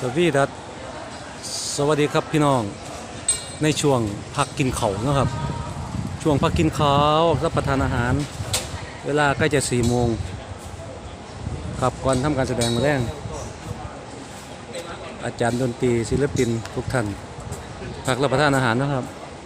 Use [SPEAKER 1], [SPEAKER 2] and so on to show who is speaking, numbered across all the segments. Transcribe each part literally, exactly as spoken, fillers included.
[SPEAKER 1] สวีดัสสวัสดีครับพี่น้องในช่วงพักกินข้าวนะครับช่วงพักกินข้าวรับประทานอาหารเวลาใกล้จะสี่โมงครับก่อนทำการแสดงมาแรงอาจารย์ดนตรีศิลปินทุกท่านพักรับประทานอาหารนะครับ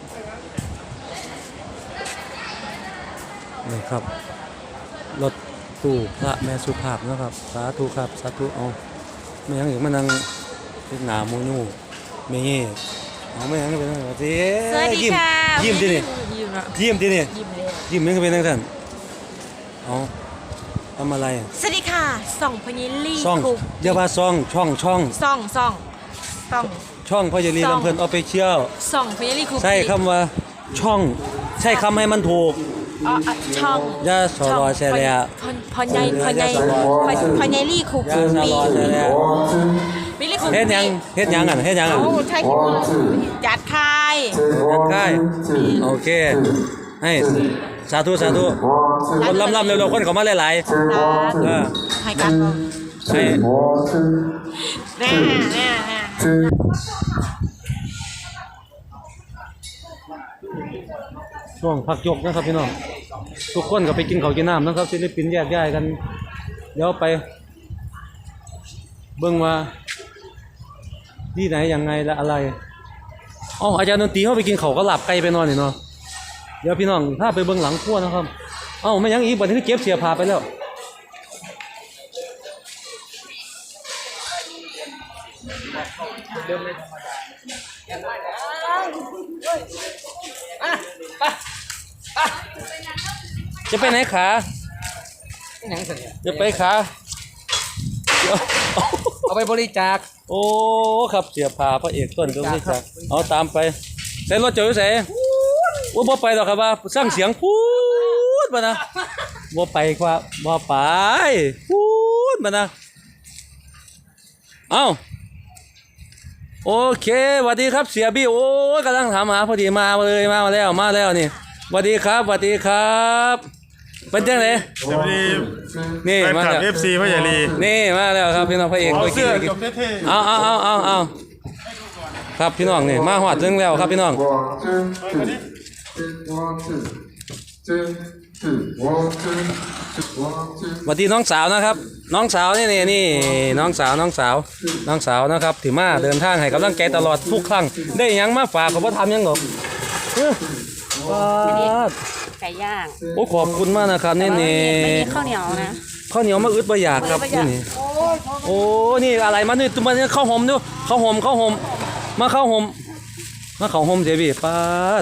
[SPEAKER 1] นี่ครับรถตู้พระแม่สุภาพนะครับสาธุครับสาธุเอาไม่ยังอีกมานั่งเป็นหนาโมนูไม่เงี้ยเอาไม่ยังเป็นอะไรสิ
[SPEAKER 2] สวัสดีค่ะ
[SPEAKER 1] ยิ้มที่นี่
[SPEAKER 2] ยิ้มเนาะ
[SPEAKER 1] ยิ้มที่นี่
[SPEAKER 2] ยิ้มเลย
[SPEAKER 1] ยิ้มยังเป็นทั้งท่านเอาทำอะไร
[SPEAKER 2] สวัสดีค่ะส่องพญิลี่
[SPEAKER 1] ซ่อง
[SPEAKER 2] คุก
[SPEAKER 1] เดี๋ยวว่าซ่องช่องช่อง
[SPEAKER 2] ส่องส่องส่อง
[SPEAKER 1] ช่องพ่อเยลี
[SPEAKER 2] ซ่อง
[SPEAKER 1] ลำเพลินออฟฟิเชียล
[SPEAKER 2] ส่องพญิลี่คุก
[SPEAKER 1] ใช่คำว่าช่องใช่คำให้มันถูก
[SPEAKER 2] อ๋ออ่ะช่อง
[SPEAKER 1] ยาสอรอใช่เลยอ่ะ
[SPEAKER 2] พอนพอนใหญ่พอนใหญ่พอนใหญ่ลี่คุก
[SPEAKER 1] ยาสอรอใช่เลยอ่ะ
[SPEAKER 2] วิลลี่คุก
[SPEAKER 1] เฮ็ดยังเฮ็ดยังอ่ะเฮ็ดยังอ่ะ
[SPEAKER 2] โอ้ใช่จัดค่าย
[SPEAKER 1] ยังใกล้โอเคให้สาธุสาธุคนลำลำเร็วๆคนเขามาหลายๆเออ
[SPEAKER 2] ให้กัน
[SPEAKER 1] ให้
[SPEAKER 2] แน่แน่แน่
[SPEAKER 1] ช่วงพักยกนะครับพี่น้องทุกคนก็ไปกินข้าวกินน้ำนะครับศิลปินแยกย้ายกันเดี๋ยวไปเบิ่งว่าที่ไหนยังไงและอะไรอ๋ออาจารย์ดนตรีเขาไปกินข้าวก็หลับไกลไปนอนนี่เนาะเดี๋ยวพี่น้องถ้าไปเบิ่งหลังครัวนะครับเอ้าไม่ยังอีกบัดนี้คือเก็บเสียผ้าไปแล้วจะไปไหนขาจะไปขาเดี๋ยว
[SPEAKER 3] เอาไปบริจาค
[SPEAKER 1] โอ้ครับเสียผ้าพระเอกต้นตรงนี้จ้ะเอาตามไปใส่รถเจออยู่ใส่ว่าบ่ไปหรอกครับว่าสร้างเสียงพูดมานะบ่ไปครับบ่ไปพูดมานะเอ้าโอเคสวัสดีครับเสียบี้โอ้ยกำลังถามหาพอดีมาเลยมาแล้วมาแล้วนี่สวัสดีครับสวัสดีครับเป็นจังได๋
[SPEAKER 4] สวัสดี
[SPEAKER 1] นี่
[SPEAKER 4] แฟน
[SPEAKER 1] มา
[SPEAKER 4] คลับ
[SPEAKER 1] แล้ว
[SPEAKER 4] เอฟซีพ่อใหญ่ลี
[SPEAKER 1] นี่มาแล้วครับพี่น้องพระเอก
[SPEAKER 4] เอา
[SPEAKER 1] ตัวกิน
[SPEAKER 4] เสื้อ
[SPEAKER 1] ตัวกิน
[SPEAKER 4] จบเท่
[SPEAKER 1] เอาเอาเอาเอาเอาครับพี่น้องนี่มาหอดถึงแล้วครับพี่น้อง
[SPEAKER 5] One, two, two. One, two. Two, two. One, two, two. One, two.
[SPEAKER 1] สวัสดีน้องสาวนะครับ น้องสาวนี่นี่นี่น้องสาวน้องสาวน้องสาวนะครับที่มาเดินทางให้กำลังใจตลอดทุกครั้งได้หยังมาฝากก็บ่ทำหยังหรอกเอ้อว้าด
[SPEAKER 2] ไก่ย่าง
[SPEAKER 1] โอ้ขอบคุณมากนะครับนี่นี่
[SPEAKER 2] ไม่มีข้าวเหนียวนะ
[SPEAKER 1] ข้าวเหนียวมาอึดบ่อยากครับนี่นี่โอ้นี่อะไรมานี่ตัวมันข้าวหอมดูข้าวหอมข้าวหอมมาข้าวหอมมาข้าวหอมเจบี้ปาด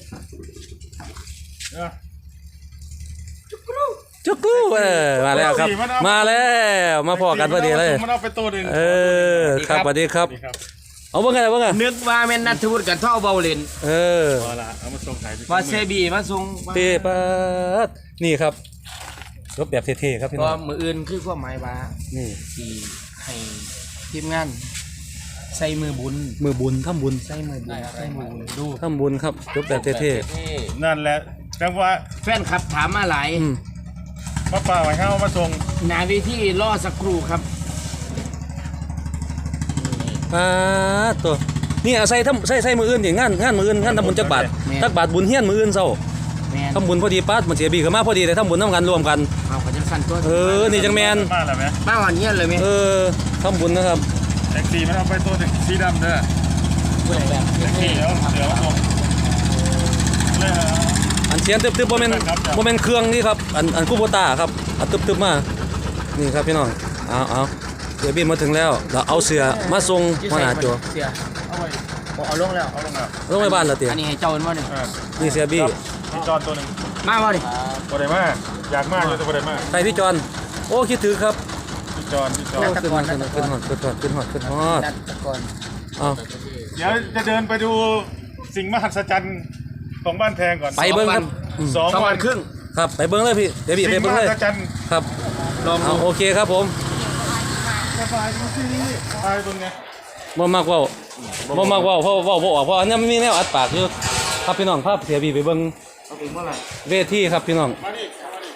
[SPEAKER 1] จุกรูเออมาแล้วครับมาแล้วมาพอกันพอดีเลย
[SPEAKER 4] มันเอาไปตัวหนึ่ง
[SPEAKER 1] เออครับสวัสดีครับ เอาเบิ่งไงเบิ่งไง
[SPEAKER 3] นึกว่าแม่นนัทวุฒิกับท่อเบาเลน
[SPEAKER 1] เออ
[SPEAKER 4] เอาละเอามาส่งขาย
[SPEAKER 3] ว่าเซบีมาส่ง
[SPEAKER 1] เปปัดนี่ครับรถแบบเท่ๆครับพี่
[SPEAKER 3] เพ
[SPEAKER 1] น้อ
[SPEAKER 3] ราะ
[SPEAKER 1] ง
[SPEAKER 3] มืออื่นคือความหมายว่า
[SPEAKER 1] นี่
[SPEAKER 3] สีให้ทีมงานใส่มือบุญ
[SPEAKER 1] มือบุญทำบุญ
[SPEAKER 3] ใส่มือบุญใส่มือบุญดู
[SPEAKER 1] ทำบุญครับรถแบบเท่
[SPEAKER 4] นั่นแหละจังว่า
[SPEAKER 3] แฟนคลับถามมาหลาย
[SPEAKER 1] ๆอืม
[SPEAKER 4] ป้าป่าไว้เข้ามาส่ง
[SPEAKER 3] หนาเวทีรอสักครู่ครับ
[SPEAKER 1] ปาดตัวนี่เอาใส่ทำใส่ใส่มืออื่นดิงานงานมืออื่นงานทำบุญจักบาทจักบาทบุญเฮียนมืออื่นเศร้า
[SPEAKER 3] แมน
[SPEAKER 1] ทำบุญพอดีปาดมันเสียบีก็มาพอดีแต่ทำบุญน้ำกันรวมกัน
[SPEAKER 3] เอาขอจังสันตัว
[SPEAKER 1] เออนี่จังแมน
[SPEAKER 4] มาแล้วไหม
[SPEAKER 3] บ้าวันเนี้ยเลยไหม
[SPEAKER 1] เออทำบุญนะครับ
[SPEAKER 4] แท็กซี่มันเอาไปตัวหนึ่งสีดำเด้อ
[SPEAKER 3] แบบ
[SPEAKER 4] แท็กซี่เดี๋ยวเดี๋ยวส่งเลยฮะ
[SPEAKER 1] อันเสียงตึบๆโมเมนต์โมเมนต์เครื่องนี่ครับอันอันคูโบต้าครับอันตึบๆมานี่ครับพี่น้องเอาเอาเสียบีมาถึงแล้วเราเอาเสือมาส่งมาหาจัว
[SPEAKER 3] เสีย
[SPEAKER 4] เอาไว้
[SPEAKER 3] บอกเอาลงแล้ว
[SPEAKER 4] เอาลงอ่ะ
[SPEAKER 1] ลงไปบ้านแล้วเตี๋ย
[SPEAKER 3] อันนี้ให้เจ้าเป็นว่าหนึ่ง
[SPEAKER 4] เออ
[SPEAKER 1] นี่เสียบี้
[SPEAKER 4] พี่จอนตัวหนึ่ง
[SPEAKER 3] มาว่าดิ
[SPEAKER 4] บ่ได้มาอยากมากอยู่แต่บ่ได้มา
[SPEAKER 1] ไปพี่จอนโอ้คิดถึงครับ
[SPEAKER 4] พี่จอนพี่จอ
[SPEAKER 1] โอ้
[SPEAKER 4] น
[SPEAKER 1] ขึ้นฮอดขึ้นฮอดขึ้นฮอดขึ้นฮอดขึ้นฮอด
[SPEAKER 3] นัดตะกอน
[SPEAKER 1] เอา
[SPEAKER 4] เดี๋ยวจะเดินไปดูสิ่งมหัศจรรย์ของบ้านแพงก่อน
[SPEAKER 1] ไปเบิ้งครับอืม
[SPEAKER 4] สอง
[SPEAKER 3] สอง
[SPEAKER 4] วั
[SPEAKER 3] วัน นครึ่ง
[SPEAKER 1] ครับไปเบิ้งเลยพี่เดี๋ยวพี่ไป
[SPEAKER 4] สิ่งม
[SPEAKER 1] เบิ้งเล
[SPEAKER 4] หั
[SPEAKER 1] ย
[SPEAKER 4] ศจรรย์
[SPEAKER 1] ครับ
[SPEAKER 3] ลอง
[SPEAKER 1] เอา
[SPEAKER 3] ดู
[SPEAKER 1] โอเคครับผม
[SPEAKER 4] สบายดูสิไปตรงไง
[SPEAKER 1] บ่มากเว้าบ่มากเว้าเพราะเว้าบ่ออกเพราะอันนี้มันมีแนวอัดปากอยู่ครับพี่น้องภาพเสียบี้ไปเบิ้ง
[SPEAKER 3] เอาถึงเมื่อไหร่
[SPEAKER 1] เวทีครับพี่น้อง
[SPEAKER 4] มาดิมาดิ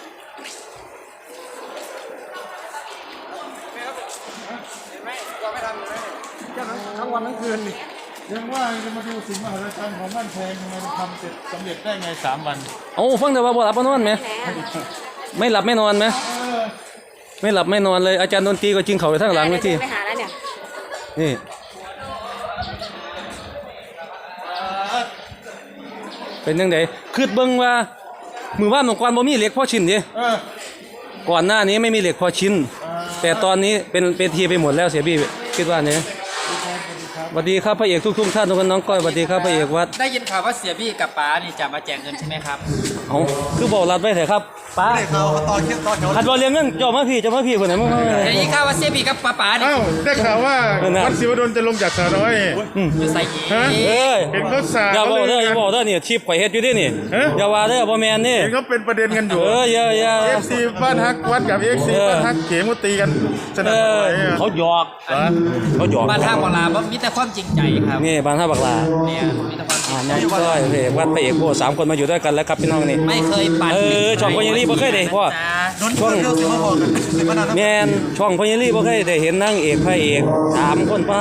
[SPEAKER 3] วันทั้งคืนนี่
[SPEAKER 4] ยังว่าจะมาดูสิ่งมหัศจรรย์ของบ้านแพงทำไมมันทำเสร็จสำเร็จได้ไงสามวัน
[SPEAKER 1] โอ้ฟังแต่ว่าบ่หลับบ่นอนไหมไม่หลับไม่นอนไหมไม่หลับไม่นอนเลยอาจารย์ดนตรีก็จริงเขาไปทางหลังเลยที่
[SPEAKER 2] ไปหาแล้วเนี่ย
[SPEAKER 1] นี่เป็นยังไงคืดเบิ่งว่ามือว่านของกวนบ่มีเหล็กพอชิ้นดิ
[SPEAKER 4] เออ
[SPEAKER 1] ก่อนหน้านี้ไม่มีเหล็กพอชิ้น แต่ตอนนี้เป็นเป็นทีไปหมดแล้วเสียบี้คิดว่าเนี่ยสวัสดีครับพระเอกทุกๆท่านทุกคนน้องก้อยสวัสดีครับพระเอกวัด
[SPEAKER 3] ได้ยินข่าวว่าเสียบี้กับป๋านี่จะมาแจกเงินใช่ไหมครับ
[SPEAKER 1] เอาคือบอกรัดไว้เถอะครับป้า
[SPEAKER 3] เขาตอนเที่ยงตอนเช้า
[SPEAKER 1] ขัดบอลเลี้ยงเงินเจ้ามาพี่เจ้ามาพี่คนไหนมึง
[SPEAKER 3] ได้ยินข่าวว่าเสียบี้กับป๋าป๋านี่
[SPEAKER 4] เอ้าได้ข่าวว่าวัดศิวดลจะลงจากสาร้อย
[SPEAKER 3] อยู่ใส่ยี
[SPEAKER 4] ฮะ
[SPEAKER 1] เอ้ย
[SPEAKER 4] เห็นเขาสา
[SPEAKER 1] อย่าบอก
[SPEAKER 4] เล
[SPEAKER 1] เด้ออย่า
[SPEAKER 4] กัน
[SPEAKER 1] บอกเด้อนี่ชีพข่อยเฮ็ดอยู่ดินี่
[SPEAKER 4] ฮะ
[SPEAKER 1] อย่าว่าเด้อบ่แม่นนี่
[SPEAKER 4] เห็นเขาเป็นประเด็นกันอยู่
[SPEAKER 1] เอออย่าอย่า
[SPEAKER 4] เอฟซีบ้านฮักวัดกับเอฟซี
[SPEAKER 1] เออ
[SPEAKER 4] บ้านฮักเข็มก็ตีกันส
[SPEAKER 1] เอ
[SPEAKER 4] นั่นห
[SPEAKER 1] อ
[SPEAKER 4] วั่นไหวอะ
[SPEAKER 1] เขาหยอกเขาหยอก
[SPEAKER 3] บ้านท่าบอลาบ่มีแต่ความจริงใจครับ
[SPEAKER 1] นี่บ้านท่าบักลา
[SPEAKER 3] เนี่ยมีแต่ความจริ
[SPEAKER 1] อ่าง
[SPEAKER 3] ใจ
[SPEAKER 1] น้องก้อยพระเอกวัดพระเอกโบสามคนมาอยู่ด้วยกันแล้วครับพี่น้องนี่
[SPEAKER 3] ไม่เคยปั่น
[SPEAKER 1] เออช่องพญาลีบ่เคยได้พ่อ ช่องแม่นช่องพญาลีบ่เคยได้เห็นนางเอกพระเอกสามคนป้าก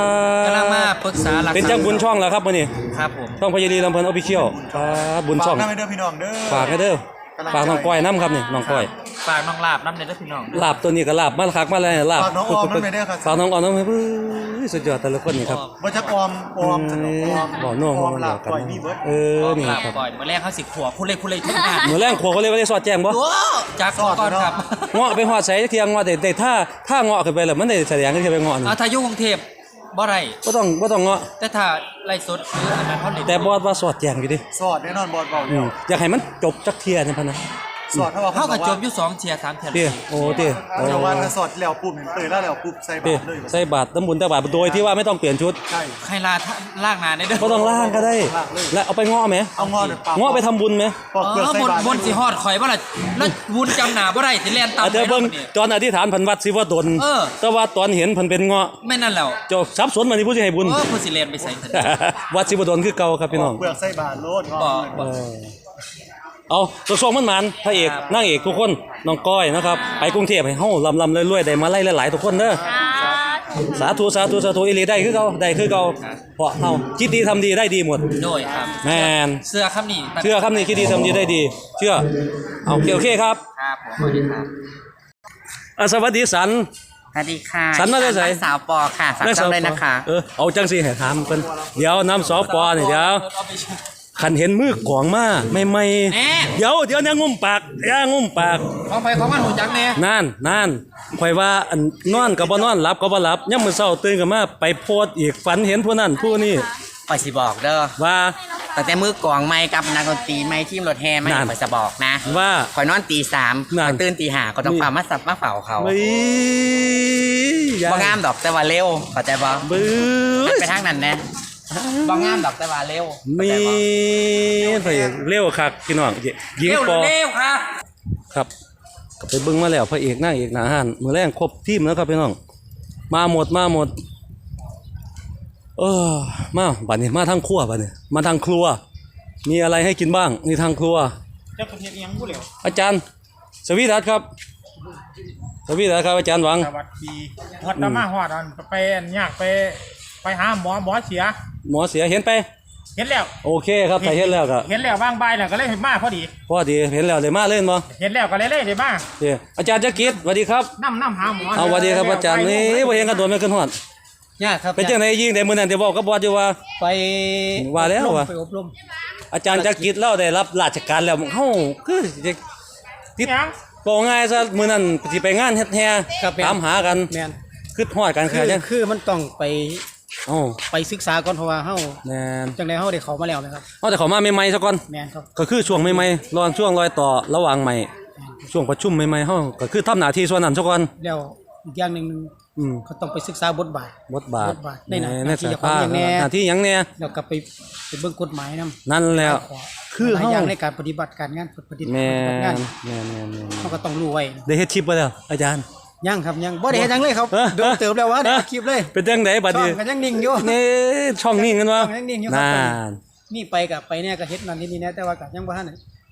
[SPEAKER 3] ำลังมาปรึกษาหลัก
[SPEAKER 1] เป็นจังบุญช่องแล้วครับมื้อนี้
[SPEAKER 3] ครับผม
[SPEAKER 1] ช่องพญาลีลำเพลินออฟฟิเชียลป้าบุญช่อง
[SPEAKER 3] ฝากน้ำให้เด้อพี่น้องเด้อ
[SPEAKER 1] ฝากให้เด้อฝากน้องก้อยน้ำครับนี่น้องก้อย
[SPEAKER 3] ฝากน้องลาบน้ำเด้อพี่น้อง
[SPEAKER 1] ลาบตัวนี้ก็ลาบมาคักมาแล้วลาบ
[SPEAKER 3] ฝากน้องออมน้ำไปเด้อครับ
[SPEAKER 1] ฝากน้องออมน้ำไปเบ้อสุดยอดแต่ละคนนี่ครับ
[SPEAKER 3] บ่จักออมออม
[SPEAKER 1] เอ้ยบ่น้องออมลาบกันเออนี่
[SPEAKER 3] ลาบ
[SPEAKER 1] ครับ
[SPEAKER 3] ก่อนมื้อแรกเขาสิขัวผู้เล่ผู้เล่ทุกงาน
[SPEAKER 1] มื้อแรงขัวเขาเรียกว่าได้สอดแจ้งบ่
[SPEAKER 3] โอ้จากก่อนครับ
[SPEAKER 1] เงาะไปฮอดใส่เที่ยงเงาะได้ได้ถ้าถ้าเงาะขึ้นไปแล้วมันได้แสดงขึ้นไปเงาะนี่
[SPEAKER 3] อาทายุกรุงเทพบ่ไร
[SPEAKER 1] บ่ต้องบ่ต้องเงาะ
[SPEAKER 3] แต่ถ้าไล่สดหรืออันนั้นเขาเล่น
[SPEAKER 1] แต่บอดว่าสอดแจ้งอยู่ดิ
[SPEAKER 6] สอดแน่นอนบอลเบา
[SPEAKER 1] อื
[SPEAKER 6] เดียว
[SPEAKER 1] มอยากให้มันจบจักเที่ยนี่พันนะ
[SPEAKER 6] สอดเท่ากับ
[SPEAKER 3] เขาก็จบ
[SPEAKER 6] บ
[SPEAKER 3] อยู่สองเทียร์สามเทียร์
[SPEAKER 1] เตี้ยโอ้เตี้ยโอ้
[SPEAKER 6] แต่ว่าถ้าสอดแล้วปุ๊บเห็นเตยแล้วแล้วปุ๊บใส่บา
[SPEAKER 1] เตี้ย
[SPEAKER 6] ตรเลย
[SPEAKER 1] ใส่บาตรน้ำบุญแต่บาตรโดยที่ว่าไม่ต้องเปลี่ยนชุด
[SPEAKER 6] ใช่
[SPEAKER 3] ใครลาล่างนานได้เด้อ
[SPEAKER 1] ก็ต้องล่างก็ได้ แล้วเอาไปเงาะไหม
[SPEAKER 6] เอางอเดือดปาก
[SPEAKER 1] เงาะไปทำบุญไหม
[SPEAKER 6] ปอกเปลือก
[SPEAKER 3] เออ
[SPEAKER 6] ใส่
[SPEAKER 3] บน
[SPEAKER 6] บาตร
[SPEAKER 3] บนสิฮอดข่อยบ่ล่ะแล้ววุ้นจำหนาบ่ได้สิแล่นตาม
[SPEAKER 1] อาจจะเบิ่งตอนอธิษฐานเพันวัดสิว่าตน
[SPEAKER 3] เออ
[SPEAKER 1] แต่ว่าตอนเห็นเพันเป็นเงาะ
[SPEAKER 3] ไม่นั่นแล้ว
[SPEAKER 1] เจ้าทรัพย์สนมันนี่ผู้สิให้บุญ
[SPEAKER 3] เออผู้สิแล่นไปใส่ซั่น
[SPEAKER 1] วัดสิบดลคือเก่าครับพี่น้อง
[SPEAKER 6] เปลือกใส่บาตรโลดงอ
[SPEAKER 3] บ่
[SPEAKER 6] เลย
[SPEAKER 3] บ่
[SPEAKER 1] เอาตัวส่งมันมันพระเอก
[SPEAKER 3] ครับ
[SPEAKER 1] นางเอกทุกคนน้องก้อยนะครับไปกรุงเทพให้เฮาลำลำรวยๆได้มาไล่หลายๆทุกคนเด้อสาธุสาธุสาธุอีหลีได้คือเก่าได้คือเก่าเพราะเฮาคิดดีทำดีได้ดีหมด
[SPEAKER 3] โดยครับ
[SPEAKER 1] แม่น
[SPEAKER 3] เสื้อคำนี้
[SPEAKER 1] เชื่อครับนี่คิดดีทำดีได้ดี เชื่อเอาโอเคโอเคครับ
[SPEAKER 3] ครับผมสวัสดีครับ
[SPEAKER 1] อ่ะสวัสดีสัน
[SPEAKER 7] สวัสดีค่ะ
[SPEAKER 1] สันมาได้ไส
[SPEAKER 7] นงสาวปอค่ะฝากช่องเลยนะคะ
[SPEAKER 1] เออเอาจังสิให้ถามเพิ่นเดี๋ยวน้ำสอปอนี่เดี๋ยวคันเห็นมือกองมาไม่ไม่เดี๋ยวเดี๋ยวเนี่ยงุ่มปากอย่างุ่มปาก
[SPEAKER 3] ของไปของมันหูจักแน่
[SPEAKER 1] นั่นนั่นข่อยว่าอันนอนก็บ่นอนหลับก็บ่หลับยามมื้อเช้าตื่นขึ้นมาไปโพสต์อีกฝันเห็นผู้นั้นผู้นี้
[SPEAKER 7] ปอยสิบอกเด้อ
[SPEAKER 1] ว่า
[SPEAKER 7] แต่แต่มือกลองไม่กับนักดนตรีไม่ทีมรถแห่ไม่
[SPEAKER 1] นั่น
[SPEAKER 7] ปอยจะบอกนะ
[SPEAKER 1] ว่า
[SPEAKER 7] คอยนอนตีสาม
[SPEAKER 1] นั่น
[SPEAKER 7] คอยตื่นตีห้าก็ต้อง
[SPEAKER 1] นี่
[SPEAKER 7] ฝ่ามาสับมาเฝ้าเขา
[SPEAKER 1] เฮ้ยยาย
[SPEAKER 7] บ่งามดอกแต่ว่าเร็วเข้าใจบ่
[SPEAKER 1] บื้อ
[SPEAKER 7] ไปทางนั้นนะบ่งามดอกแต่ว่าเร็วเข้า
[SPEAKER 1] มี
[SPEAKER 7] ใจบ่
[SPEAKER 1] พระเอกเร็วคักพี่น้องยิง
[SPEAKER 3] เร็ว
[SPEAKER 1] ปอ
[SPEAKER 3] เร็วครับ
[SPEAKER 1] ครับก็ไปเบิ่งมาแล้วพระเอกนางเอกหน้าห้านมื้อแรงครบทีมแล้วครับพี่น้องมาหมดมาหมดเออมาบัดนี้มาทางครัวบัดนี้มาทางครัว มีอะไรให้กินบ้างนี่ทางครัว
[SPEAKER 4] เจ้าประเทศยังผู้เหลว
[SPEAKER 1] อาจารย์สวีดัสครับสวีดัสครับอาจารย์หวัง
[SPEAKER 4] สวัสดีฮอดตามาฮอดอันไปอันยากไปไปหาหมอหมอเสีย
[SPEAKER 1] หมอเสียเห็นไป
[SPEAKER 4] เห็นแล้ว
[SPEAKER 1] โอเคครับถ้าเห็นแล้วก็
[SPEAKER 4] เห็นแล้วว่างบ่ายแล้วก็เลยมาพอดี
[SPEAKER 1] พอดีเห็นแล้วได้มาเล่นบ่
[SPEAKER 4] เห็นแล้วก็เลยเลยเลยมา
[SPEAKER 1] เด้อาจารย์จักริดสวัสดีครับ
[SPEAKER 4] น้ำน้ำหาหมอ
[SPEAKER 1] เอาสวัสดีครับอาจารย์นี่บ่เห็นกันโดนไม่ขึ้นฮอด
[SPEAKER 3] ยากครับ
[SPEAKER 1] เป็นจังไดยิงได้มื้อนั้นที่บอกกับบอสอยู่ว่า
[SPEAKER 3] ไป
[SPEAKER 1] ว่าแล้วว่า
[SPEAKER 3] ไปอบรม
[SPEAKER 1] อาจารย์จักริดเราได้รับราชการแล้วเฮาคือจะติด
[SPEAKER 4] ยัง
[SPEAKER 1] บอกง่ายซะมื้อนั้นสิไปงานเฮ็ดแฮ่ตามหากัน
[SPEAKER 3] แม่น
[SPEAKER 1] คือฮอดกัน
[SPEAKER 3] คื
[SPEAKER 1] คือ
[SPEAKER 3] อ
[SPEAKER 1] จัง
[SPEAKER 3] คือมันต้องไป
[SPEAKER 1] เอ้า
[SPEAKER 3] ไปศึกษาก่อนเพราะว่าเฮา
[SPEAKER 1] แม่น
[SPEAKER 3] จังไดเฮาได้เข้ามาแล้วนะครับ
[SPEAKER 1] เฮาแต่เขามาใหม่ๆซะก่อน
[SPEAKER 3] แม่นครับ
[SPEAKER 1] ก็คือช่วงใหม่ๆรอนช่วงรอยต่อระหว่างใหม่ ช่วงประชุมใหม่ๆเฮาก็คือทำหน้าที่ส่วนนั้นซะก่อน
[SPEAKER 3] แล้วอีกอย่างหนึง
[SPEAKER 1] อืม
[SPEAKER 3] เขาต้องไปศึกษาบทบาท
[SPEAKER 1] บทบาท
[SPEAKER 3] บทบาทในหน้า
[SPEAKER 1] ใน
[SPEAKER 3] หน้าที่
[SPEAKER 1] สาย
[SPEAKER 3] เจ้าของอย่างแน่
[SPEAKER 1] หน้าที่หยังแน่
[SPEAKER 3] แล้วก็ไปไปเบิ่งกฎหมายนำ
[SPEAKER 1] นั่นแล้ว คือ
[SPEAKER 3] หลาย
[SPEAKER 1] เฮา
[SPEAKER 3] อย่างในการปฏิบัติการงานปฏิบัติ
[SPEAKER 1] แม่
[SPEAKER 3] งาน
[SPEAKER 1] นแม่นแม่นแม่น
[SPEAKER 3] เขาก็ต้องรู้ไว้นะ
[SPEAKER 1] ได้เฮ็ดชิปบ่แล้วอาจารย์
[SPEAKER 3] ยังครับยังบ่ได้เฮ็ดหยังเลยครับ
[SPEAKER 1] เออ
[SPEAKER 3] โดนเติบแล้ววะได้คลิปเลย
[SPEAKER 1] เป็นจังไดบัด
[SPEAKER 3] ช่อ
[SPEAKER 1] นี้
[SPEAKER 3] งก็ยังนิ่งอยู่
[SPEAKER 1] นี่ช่องนี้กันวะ
[SPEAKER 3] ช่องยังนิ่งอยู่ครับ
[SPEAKER 1] นั่น
[SPEAKER 3] นี่ไปกับไปเนี่ยก็เฮ็ดนั่นนี่นี่นะแต่ว่าก็ยังบ่ทันได้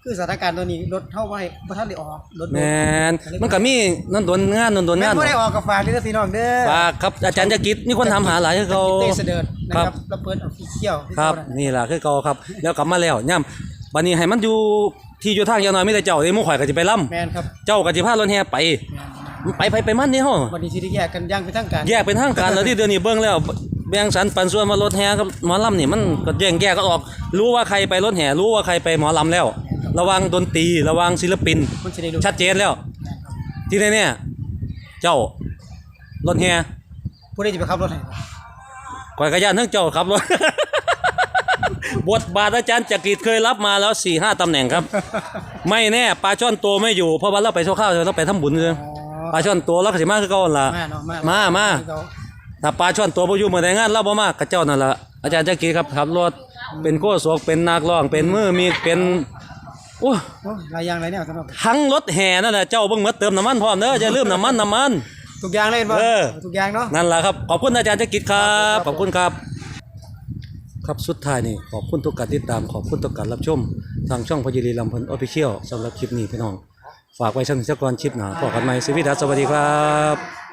[SPEAKER 3] คือสถานการณ์ตัวนี้รถเท่าไว้บ่ทันได้ออกรถ
[SPEAKER 1] แมนมันก็มีนั่นโดนงานนั่นโดน
[SPEAKER 3] แม่
[SPEAKER 1] งาน
[SPEAKER 3] นบ่ได้ออกกับฝากเด้อพี่น้องเด้อ
[SPEAKER 1] ฝากครับอาจารย์จักริดมีคนถามหาหลายคือเขา
[SPEAKER 3] เต้เสด็จนะค
[SPEAKER 1] ครั
[SPEAKER 3] รับ บแล้วเปิดออฟฟิเชียล
[SPEAKER 1] ครับนี่ล่ะคือเก่าครับแล้วกลับมาแล้วย่ำบัดนี้ให้มันอยู่ที่อยู่ทางอย่างน้อยมีแต่เจ้าเด้หมู่ข่อยก็สิไปล่ำ
[SPEAKER 3] แม่นครับ
[SPEAKER 1] เจ้าก็สิพารถแห่ไปไปไปไปมันนี่เฮา
[SPEAKER 3] วันนี้สิได้แยกกันอย่างเป็นทางการ
[SPEAKER 1] แยกเป็นทางการแล้วที่เดี๋ยวนี้เบิ่งแล้วแบ่งสรรปันส่วนมารถแห่กับหมอลำนี่มันก็แยกแยกก็ออก รู้ว่าใครไปรถแห่รู้ว่าใครไปหมอลำแล้ว ระวังดนตรีระวังศิลปิน
[SPEAKER 3] มันสิได้รู้
[SPEAKER 1] ชัดเจนแล้ว ที่นี่เนี่ยเจ้ารถแห่
[SPEAKER 3] ผู้ใดจะไปขับรถให้
[SPEAKER 1] ก่อยกระยานทั้งเจ้าครับรถ บทบาทอาจารย์จักริดเคยรับมาแล้ว สี่ห้า ตำแหน่งครับ ไม่แน่ปลาช่อนตัวไม่อยู่เพราะว่าเราไปโชว์ข้าวเราไปทำบุญเลยปลาช่อนตัวเราก็สิมาคือเก่าหั่นล่ะ
[SPEAKER 3] มาเนาะมา
[SPEAKER 1] มามา
[SPEAKER 3] เอ
[SPEAKER 1] ถ้าปลาช่อนตัวบ่อยู่มื้อใดงานเราบ่มากกับเจ้านั่นล่ะอาจารย์จักรีครับขับรถเป็นโคศกเป็นนักร้องเป็นมือมีเป็นโอ้
[SPEAKER 3] โอ้ยหลายอย่างหลายแนวสำหรับ
[SPEAKER 1] ทั้งรถแห่นั่นแหละเจ้าเบิ่งหมดเติมน้ำมันพร้อมเด้ออย่าลืมน้ำมันน้ำมัน
[SPEAKER 3] ทุกอย่างเลยเห็นบ่
[SPEAKER 1] เออ
[SPEAKER 3] ทุกอย่างเนาะ
[SPEAKER 1] นั่นล่ะครับขอบคุณอาจารย์จักรีครับขอบคุณครับ ครับสุดท้ายนี่ขอบคุณทุกการติดตามขอบคุณทุกการรับชมทางช่องพยิรีลำเพลินออฟฟิเชียลสำหรับคลิปนี้พี่น้องฝากไว้สักนิดสักก่อนคลิปหน้าพบกันใหม่สวัสดีครับสวัสดีครับ